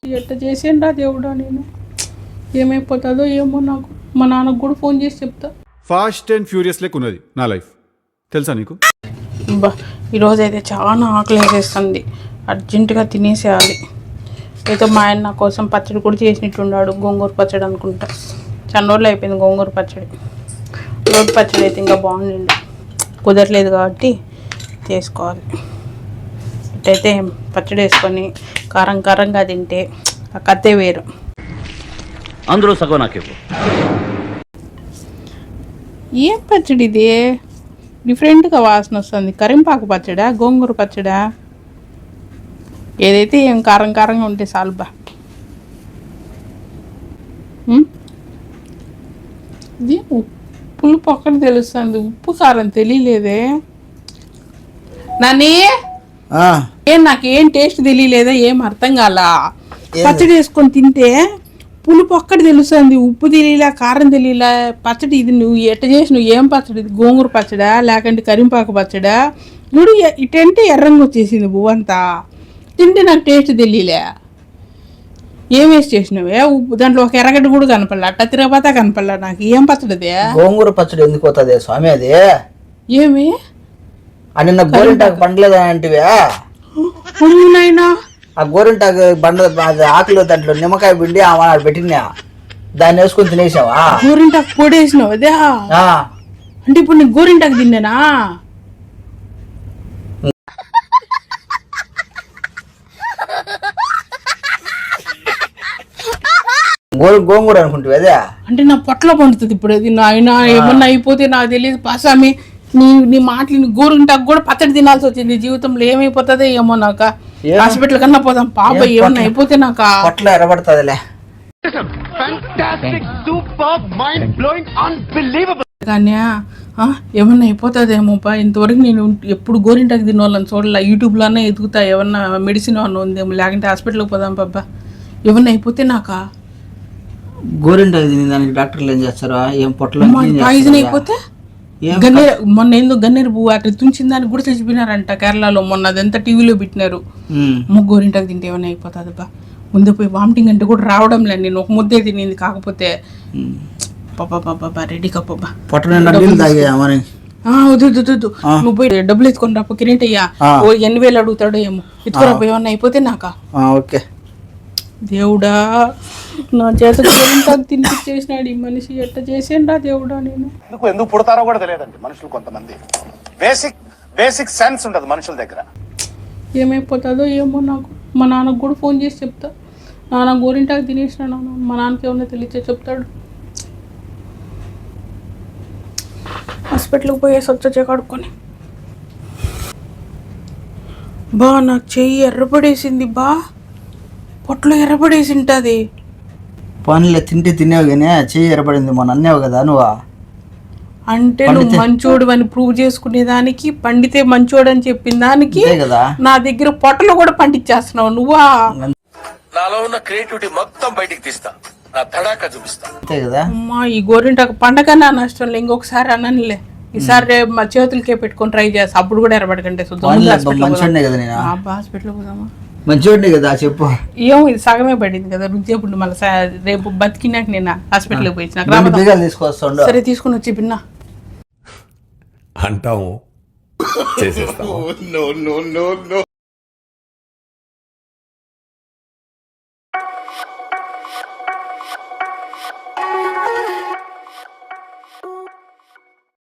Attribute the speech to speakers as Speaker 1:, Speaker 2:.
Speaker 1: ఎట్ట చేసేండా దేవుడా నేను ఏమైపోతుందో ఏమో నాకు మా నాన్నకు కూడా ఫోన్ చేసి చెప్తా.
Speaker 2: ఫాస్ట్ అండ్ ఫ్యూరియస్ లెక్క ఉన్నది నా లైఫ్ తెలుసా నీకు?
Speaker 1: ఈరోజు అయితే చాలా ఆకలి వేసేస్తుంది, అర్జెంటుగా తినేసేయాలి. అయితే మా ఆయన నా కోసం పచ్చడి కూడా చేసినట్టున్నాడు, గోంగూర పచ్చడి అనుకుంటా. చాలా రోజులు అయిపోయింది గోంగూర పచ్చడి. రోడ్డు పచ్చడి అయితే ఇంకా బాగుంది, కుదరలేదు కాబట్టి చేసుకోవాలి. ఇటైతే పచ్చడి వేసుకొని కారం కారంగా తింటే ఆ కత్తే వేరు.
Speaker 3: అందరూ సగం నాకు
Speaker 1: ఏం పచ్చడి ఇది? డిఫరెంట్గా వాసన వస్తుంది. కరింపాకు పచ్చడా, గోంగూర పచ్చడా? ఏదైతే ఏం కారం కారంగా ఉంటే చాలుబా. ఇది పులుపు ఒక్కటి తెలుస్తుంది, ఉప్పు కారం తెలియలేదే. నాని నాకేం టేస్ట్ తెలియలేదా, ఏం అర్థం కాల. పచ్చడి వేసుకొని తింటే పులుపు ఒక్కటి తెలుస్తుంది, ఉప్పు తెలియలే, కారం తెలియలే. పచ్చడి ఇది నువ్వు ఎట్ట చేసి నువ్వు ఏం పచ్చడి? గోంగూర పచ్చడా లేకంటే కరింపాకు పచ్చడా? నువ్వు ఇటంటే ఎర్రంగా వచ్చేసింది పువ్వంతా. తింటే నాకు టేస్ట్ తెలియలే. ఏం వేసి చేసినవే? ఉప్పు దాంట్లో ఒక ఎర్రగడ్డ కూడా కనపడలే, అట్ట తిరగబోతా కనపడలే. నాకు ఏం పచ్చడి అదే?
Speaker 4: గోంగూర పచ్చడి ఎందుకు పోతుంది స్వామి? అది
Speaker 1: ఏమి
Speaker 4: నిన్న గోరింటాకు పండలేదా అంటివే?
Speaker 1: నాయనా,
Speaker 4: ఆ గోరింటాకు బండ ఆకులు దాంట్లో నిమ్మకాయ పిండి పెట్టినా, దాన్ని వేసుకొని తినేసావా?
Speaker 1: గోరింటాకు పొడి వేసినావు అదే? అంటే ఇప్పుడు నీకు గోరింటాకు తిన్నానా?
Speaker 4: గోంగూర అనుకుంటావు అదే?
Speaker 1: అంటే నా పొట్టలో పండుతుంది ఇప్పుడు అది. నాయన ఏమన్నా అయిపోతే నాకు తెలియదు పాసామి. నీ మాటలు గోరింటాకు కూడా పచ్చడి తినాల్సి వచ్చింది. జీవితంలో ఏమైపోతుందో ఏమో. నాకు హాస్పిటల్ కన్నా పోదాం పాప, ఏమన్నా అయిపోతే నాకు
Speaker 4: పొట్టలో ఎర్రబడుతుందిలే.
Speaker 1: కానీ ఏమన్నా అయిపోతుందేమోపా. ఇంతవరకు నేను ఎప్పుడు గోరింటాకు తిన్న వాళ్ళని చూడాల. యూట్యూబ్లోనే ఎదుగుతా, ఏమన్నా మెడిసిన్ అన్న ఉందేమో, లేకుంటే హాస్పిటల్కి పోదాం పాప. ఏమన్నా అయిపోతే నాకా
Speaker 4: గోరింటాకు తిని దానికి డాక్టర్లు ఏం చేస్తారా? ఏం పొట్టలో
Speaker 1: పాయిజన్ అయిపోతే మొన్న ఏందో గన్నేరు పువ్వు అట్లా తుంచిన దానికి కూడా చచ్చిపోయినారంట కేరళలో. మొన్న అదంతా టీవీలో పెట్టినారు. గోరింటాకు తింటే ఏమైనా అయిపోతుంది బా. ముందే పోయి వామిటింగ్ అంటే కూడా రావడం లేదు. నేను ఒక ముద్దే తినింది, కాకపోతే పాపా రెడీ కప్పబ్బా. నువ్వు పోయి డబ్బులు ఎత్తుకొని రాపో. కిరీట్ అయ్యా 8,000 అడుగుతాడో ఏమో, ఎత్తుకురాపో. ఏమన్నా అయిపోతే నాకా
Speaker 4: ఓకే
Speaker 1: దేవుడా, నా చేత గోరింటాకు తినిపించేసినాడు ఈ మనిషి. ఎట్ట చేసేండా దేవుడా నేను.
Speaker 5: ఎందుకు పుడతారో కూడా తెలియదండి మనుషులు. కొంతమంది బేసిక్ సెన్స్ ఉండదు మనుషుల దగ్గర.
Speaker 1: ఏమైపోతుందో ఏమో నాకు. మా నాన్నకు కూడా ఫోన్ చేసి చెప్తా. నాన్న గోరింటాకు తినేసిన నాన్న, మా నాన్నకి ఏమన్నా తెలియచే చెప్తాడు. హాస్పిటల్కి పోయేసి వచ్చే కడుక్కొని. బా నాకు చెయ్యి ఎర్రపడేసింది బా, పొట్టలో ఎర్రపడేసి ఉంటుంది.
Speaker 4: పనులే తింటే తినేవు కానీ చెయ్యి ఎర్రపడింది మొన్న అన్నావు కదా నువ్వు.
Speaker 1: అంటే నువ్వు మంచోడు అని ప్రూవ్ చేసుకునేదానికి, పండితే మంచోడు అని చెప్పిన దానికి నా దగ్గర పొట్టలో కూడా పండించేస్తున్నావు నువ్వా.
Speaker 6: నాలో ఉన్న క్రియేటివిటీ మొత్తం బయటికి తీస్తా, నా తడాక చూపిస్తా.
Speaker 4: అంతే కదా
Speaker 1: అమ్మా. ఈ గోరింటాకు పండగ నా నష్టం లే, ఇంకొకసారి అననులే. ఈసారి మా చేతులకే పెట్టుకొని ట్రై చేస్తా, అప్పుడు కూడా ఎర్రబడకంటే.
Speaker 4: మంచోడినే కదా నేను.
Speaker 1: హాస్పిటల్ పోదామా?
Speaker 4: మంచోడినే కదా చెప్పు.
Speaker 1: ఏమో ఇది సగమే పడింది కదా, రుద్దేపుడు మళ్ళీ రేపు బతికినాక నేను హాస్పిటల్కి పోయి
Speaker 4: తీసుకొస్తా.
Speaker 1: సరే తీసుకుని వచ్చి పిన్నా
Speaker 6: అంటాము చేసేస్తాము.